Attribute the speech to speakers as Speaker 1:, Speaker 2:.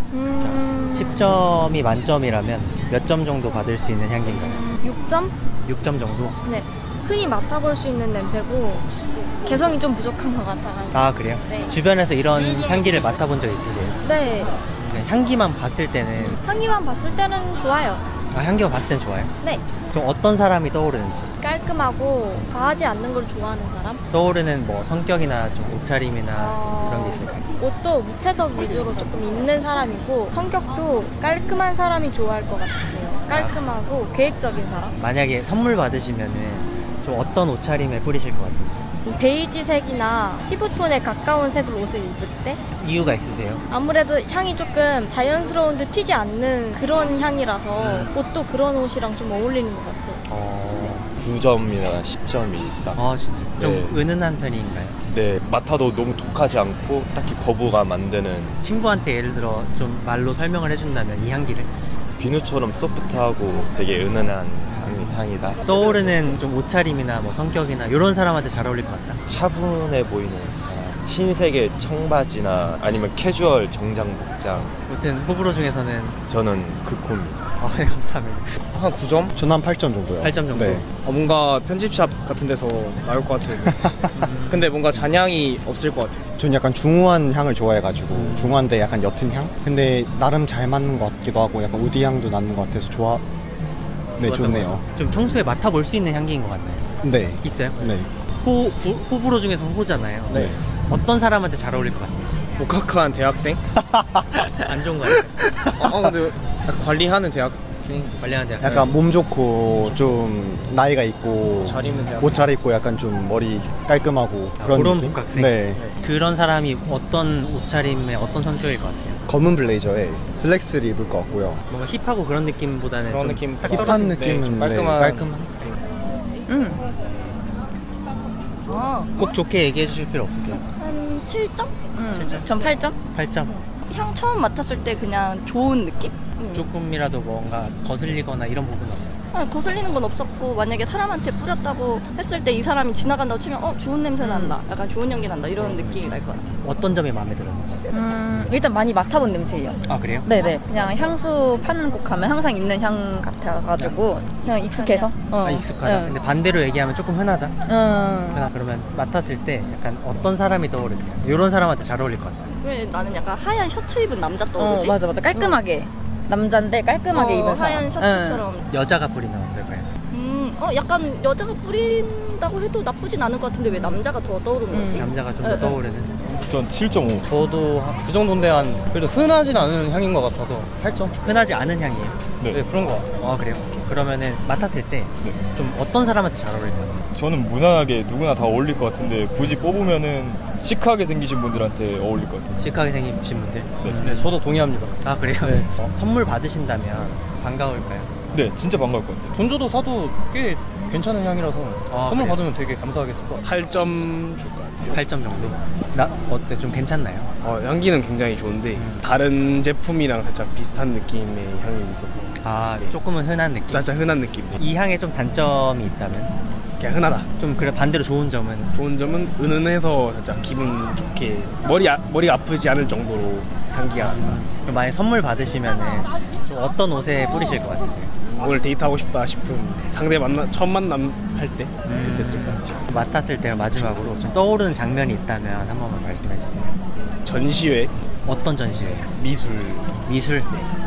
Speaker 1: 10점이 만점이라면 몇 점 정도 받을 수 있는 향기인가요?
Speaker 2: 6점?
Speaker 1: 6점 정도?
Speaker 2: 네. 흔히 맡아볼 수 있는 냄새고 개성이 좀 부족한 것 같아가지고.
Speaker 1: 아, 그래요?
Speaker 2: 네.
Speaker 1: 주변에서 이런 향기를 맡아본 적 있으세요?
Speaker 2: 네.
Speaker 1: 그냥 향기만 봤을 때는
Speaker 2: 향기만 봤을 때는 좋아요.
Speaker 1: 향기만 봤을 땐 좋아요?
Speaker 2: 네.
Speaker 1: 좀 어떤 사람이 떠오르는지
Speaker 2: 깔끔하고 과하지 않는 걸 좋아하는 사람?
Speaker 1: 떠오르는 뭐 성격이나 좀 옷차림이나 그런 게 있을까요?
Speaker 2: 옷도 무채색 위주로 조금 있는 사람이고 성격도 깔끔한 사람이 좋아할 것 같아요. 깔끔하고 계획적인 사람?
Speaker 1: 만약에 선물 받으시면은 좀 어떤 옷차림에 뿌리실 것 같은지
Speaker 2: 베이지색이나 피부톤에 가까운 색을 옷을 입을 때
Speaker 1: 이유가 있으세요?
Speaker 2: 아무래도 향이 조금 자연스러운데 튀지 않는 그런 향이라서 옷도 그런 옷이랑 좀 어울리는 것 같아요.
Speaker 3: 9점이나 10점이 있다.
Speaker 1: 아, 진짜? 좀
Speaker 3: 네.
Speaker 1: 은은한 편인가요?
Speaker 3: 네, 맡아도 너무 독하지 않고 딱히 거부감 안 드는
Speaker 1: 친구한테 예를 들어 좀 말로 설명을 해준다면 이 향기를
Speaker 3: 비누처럼 소프트하고 되게 은은한 향이다.
Speaker 1: 떠오르는 좀 옷차림이나 뭐 성격이나 이런 사람한테 잘 어울릴 것 같다.
Speaker 3: 차분해 보이는 사람. 흰색의 청바지나 아니면 캐주얼 정장 복장.
Speaker 1: 아무튼 호불호 중에서는
Speaker 3: 저는 극호입니다.
Speaker 1: 네, 감사합니다.
Speaker 4: 한 9점?
Speaker 5: 저는 한 8점 정도요.
Speaker 1: 8점 정도.
Speaker 5: 네.
Speaker 4: 뭔가 편집샵 같은 데서 나올 것 같은 근데 뭔가 잔향이 없을 것 같아요.
Speaker 5: 저는 약간 중후한 향을 좋아해가지고 중후한데 약간 옅은 향? 근데 나름 잘 맞는 것 같기도 하고 약간 우디 향도 나는 것 같아서 네, 좋네요.
Speaker 1: 좀 평소에 맡아볼 수 있는 향기인 것 같나요?
Speaker 5: 네.
Speaker 1: 있어요?
Speaker 5: 네.
Speaker 1: 호불호 중에서 호잖아요.
Speaker 4: 네.
Speaker 1: 어떤 사람한테 잘 어울릴 것 같은지.
Speaker 4: 복학한 대학생?
Speaker 1: 안 좋은 거 같아요.
Speaker 4: 근데 관리하는 대학생?
Speaker 1: 관리하는 대학.
Speaker 5: 약간 몸 좋고 좀 나이가 있고
Speaker 4: 잘 입는 대학생?
Speaker 5: 옷 잘 입고 약간 좀 머리 깔끔하고 그런
Speaker 1: 그런
Speaker 5: 느낌?
Speaker 1: 복학생.
Speaker 5: 네.
Speaker 1: 그런 사람이 어떤 옷차림에 어떤 성격일 것 같아요?
Speaker 5: 검은 블레이저에 슬랙스를 입을 것 같고요.
Speaker 1: 뭔가 힙하고 그런 느낌보다는
Speaker 4: 그런
Speaker 1: 좀
Speaker 4: 느낌
Speaker 1: 딱
Speaker 4: 힙한
Speaker 5: 힙한
Speaker 4: 네,
Speaker 5: 느낌은
Speaker 4: 좀
Speaker 5: 네,
Speaker 4: 깔끔한
Speaker 5: 깔끔한.
Speaker 1: 꼭 좋게 얘기해 주실 필요 없으세요?
Speaker 2: 한 7점?
Speaker 1: 7점?
Speaker 2: 전 8점?
Speaker 1: 8점?
Speaker 2: 향 처음 맡았을 때 그냥 좋은 느낌?
Speaker 1: 조금이라도 뭔가 거슬리거나 이런 부분은 없나요?
Speaker 2: 거슬리는 건 없었고 만약에 사람한테 뿌렸다고 했을 때 이 사람이 지나간다고 치면 좋은 냄새 난다, 약간 좋은 향기 난다 이런 느낌이 날 것 같아요.
Speaker 1: 어떤 점이 마음에 들었는지.
Speaker 6: 일단 많이 맡아본 냄새예요.
Speaker 1: 아, 그래요?
Speaker 6: 네네. 그냥 향수 파는 곳 가면 항상 있는 향 같아가지고 그냥 익숙해서.
Speaker 1: 익숙하다. 근데 반대로 얘기하면 조금 흔하다. 그러면 맡았을 때 약간 어떤 사람이 떠오르세요? 이런 사람한테 잘 어울릴 것 같아요.
Speaker 2: 왜 나는 약간 하얀 셔츠 입은 남자 떠오르지?
Speaker 6: 맞아. 깔끔하게. 남잔데 깔끔하게 입은 사람.
Speaker 2: 하얀 셔츠처럼.
Speaker 1: 여자가 뿌리면 어떨까요?
Speaker 2: 약간 여자가 뿌린다고 해도 나쁘진 않을 것 같은데 왜 남자가 더 떠오르는 거지?
Speaker 1: 남자가 좀 더 떠오르는.
Speaker 3: 전 7.5.
Speaker 4: 저도 그 정도인데 그래도 흔하진 않은 향인 것 같아서 8점?
Speaker 1: 흔하지 않은 향이에요.
Speaker 4: 네, 그런 것 같아요.
Speaker 1: 그래요? 그러면은 맡았을 때 좀 어떤 사람한테 잘 어울릴 것 같아요?
Speaker 7: 저는 무난하게 누구나 다 어울릴 것 같은데 굳이 뽑으면은 시크하게 생기신 분들한테 어울릴 것 같아요.
Speaker 1: 시크하게 생기신 분들?
Speaker 4: 네, 저도 동의합니다.
Speaker 1: 아, 그래요?
Speaker 4: 네.
Speaker 1: 선물 받으신다면 반가울까요?
Speaker 7: 네, 진짜 반가울 것 같아요.
Speaker 4: 돈 줘도 사도 꽤 괜찮은 향이라서 선물
Speaker 1: 그래요?
Speaker 4: 받으면 되게 감사하겠을 것 같아요. 8점 줄 것 같아요.
Speaker 1: 8점 정도? 어때? 좀 괜찮나요?
Speaker 4: 향기는 굉장히 좋은데 다른 제품이랑 살짝 비슷한 느낌의 향이 있어서
Speaker 1: 조금은 흔한 느낌?
Speaker 4: 진짜 흔한 느낌.
Speaker 1: 이 향에 좀 단점이 있다면?
Speaker 4: 그냥 흔하다.
Speaker 1: 좀 그래 반대로 좋은 점은?
Speaker 4: 좋은 점은 은은해서 살짝 기분 좋게 머리가 아프지 않을 정도로 향기가 난다.
Speaker 1: 그럼 만약에 선물 받으시면은 좀 어떤 옷에 뿌리실 것 같으세요?
Speaker 4: 오늘 데이트하고 싶다 싶은 상대 처음 만남 할 때 그때 쓸 것 같아요.
Speaker 1: 맡았을 때 마지막으로 좀 떠오르는 장면이 있다면 한 번만 말씀해 주세요.
Speaker 4: 전시회,
Speaker 1: 어떤 전시회예요?
Speaker 4: 미술.
Speaker 1: 미술?